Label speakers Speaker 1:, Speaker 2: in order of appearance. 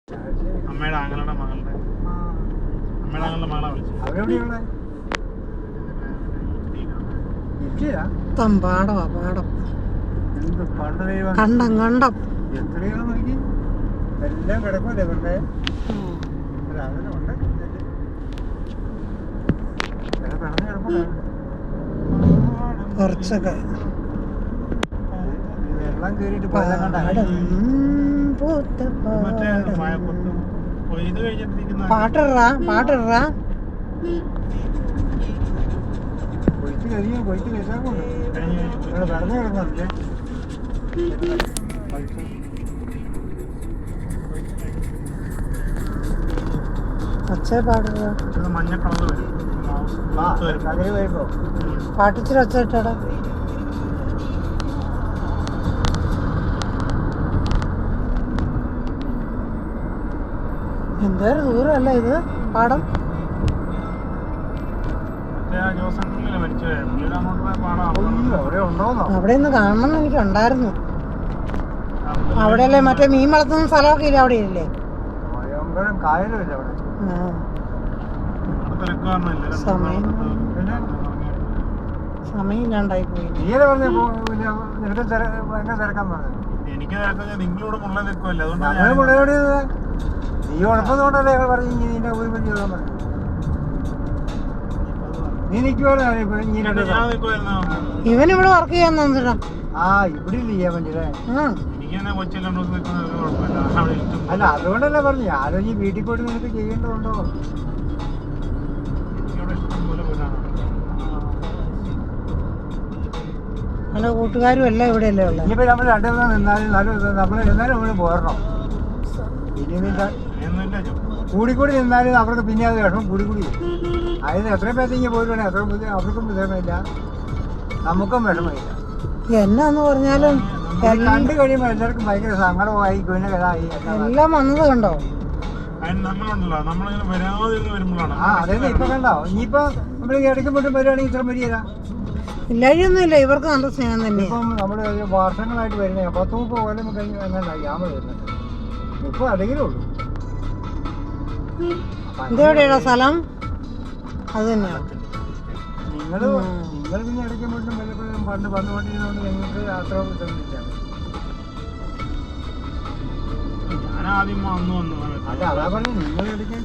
Speaker 1: അമ്മയുടെ ആങ്ങളുടെ മകളുടെ മകളെ വിളിച്ചു.
Speaker 2: പാടവാ പാടം കണ്ടം കണ്ടം
Speaker 3: എത്രയോ നോക്കി എല്ലാം കിടക്കൂലേ ഇവരുടെ
Speaker 2: കുറച്ചൊക്കെ
Speaker 3: വെള്ളം കേറിയിട്ട്
Speaker 2: പാട്ടിടാ പാട്ടിടാ
Speaker 3: കൊയ്ത്ത് കഴിയും കൊയ്ത്ത് കഴിച്ചാൽ വെള്ളം കിടക്കുന്നുണ്ട്.
Speaker 2: ഒച്ച പാടുക
Speaker 1: മഞ്ഞ കളർ വരും.
Speaker 2: പാട്ടിച്ചിരി ഒച്ച ഇട്ടാടാ. എന്തൊരു ദൂരമല്ല ഇത് പാടം. അവിടെ നിന്ന് കാണണം എനിക്ക് ഉണ്ടായിരുന്നു. അവിടെയല്ലേ മറ്റേ മീൻ വളർത്തുന്ന സ്ഥലമൊക്കെ ഇല്ല അവിടെ ഇല്ലേ? സമയമില്ലാണ്ടായി പോയി.
Speaker 1: എനിക്ക് നിങ്ങളോട് മുള്ള നിൽക്കുമല്ലോ,
Speaker 3: നീ ഉഴപ്പതുകൊണ്ടല്ലേ ഞങ്ങൾ പറഞ്ഞു നിന്നെ ഒരു പണി ചെയ്യാൻ പറഞ്ഞു. നീ നിൽക്കുവാണോ
Speaker 2: ഇവൻ ഇവിടെ വർക്ക് ചെയ്യാൻ തന്നിട്ടാ?
Speaker 3: ആ ഇവിടെ ഇല്ല ചെയ്യാൻ വേണ്ടിയല്ലേ? അല്ല അതുകൊണ്ടല്ലേ പറഞ്ഞു ഞാനും ഈ വീട്ടിൽ പോയിട്ട് നിനക്ക് ചെയ്യേണ്ടതുണ്ടോ?
Speaker 2: പല കൂട്ടുകാരും എല്ലാം ഇവിടെ അല്ലേ ഉള്ളത്.
Speaker 3: ഇനിയിപ്പോ നമ്മൾ രണ്ടു ദിവസം നിന്നാലും നമ്മൾ എന്നാലും നമ്മൾ പോരണം. കൂടിക്കൂടി നിന്നാലും അവർക്ക് പിന്നെ അത് വിഷമം കൂടിക്കൂടി. അതിന് എത്രയും പേർക്ക് പോയിട്ടുണ്ടെങ്കിൽ അത്ര അവർക്കും വിഷമമില്ല, നമുക്കും വിഷമമില്ല.
Speaker 2: എന്നാന്ന് പറഞ്ഞാലും
Speaker 3: കണ്ടു കഴിയുമ്പോൾ എല്ലാവർക്കും ഭയങ്കര സങ്കടമായി ഇതായി
Speaker 2: എല്ലാം വന്നത് കണ്ടോ?
Speaker 3: ആ അതായത് ഇപ്പൊ കണ്ടോ. ഇനിയിപ്പോ നമ്മൾ ഇടയ്ക്കുമ്പോട്ടും വരുവാണെങ്കിൽ ഇത്ര വരികയില്ല.
Speaker 2: ഇല്ലായൊന്നുമില്ല, ഇവർക്ക് നല്ല സ്നേഹം തന്നെ.
Speaker 3: ഇപ്പം നമ്മള് വർഷങ്ങളായിട്ട് വരുന്ന 10-30 കൊല്ലം കഴിഞ്ഞ് എങ്ങനെ ഗ്യാമ വരുന്നത്. ഇപ്പൊ അല്ലെങ്കിലേ ഉള്ളൂ.
Speaker 2: ഇതെവിടെയാ സ്ഥലം? അത് തന്നെയാ.
Speaker 3: നിങ്ങൾ പിന്നെ ഇടയ്ക്കുമ്പോട്ടും വല്ലപ്പോഴും പണ്ട് വന്നുകൊണ്ടിരുന്നതുകൊണ്ട് നിങ്ങൾക്ക് അത്ര ശ്രദ്ധിച്ചാണ്.
Speaker 1: ഞാൻ ആദ്യം വന്നു
Speaker 3: അല്ല അതാ പറഞ്ഞു നിങ്ങൾ ഇടയ്ക്ക്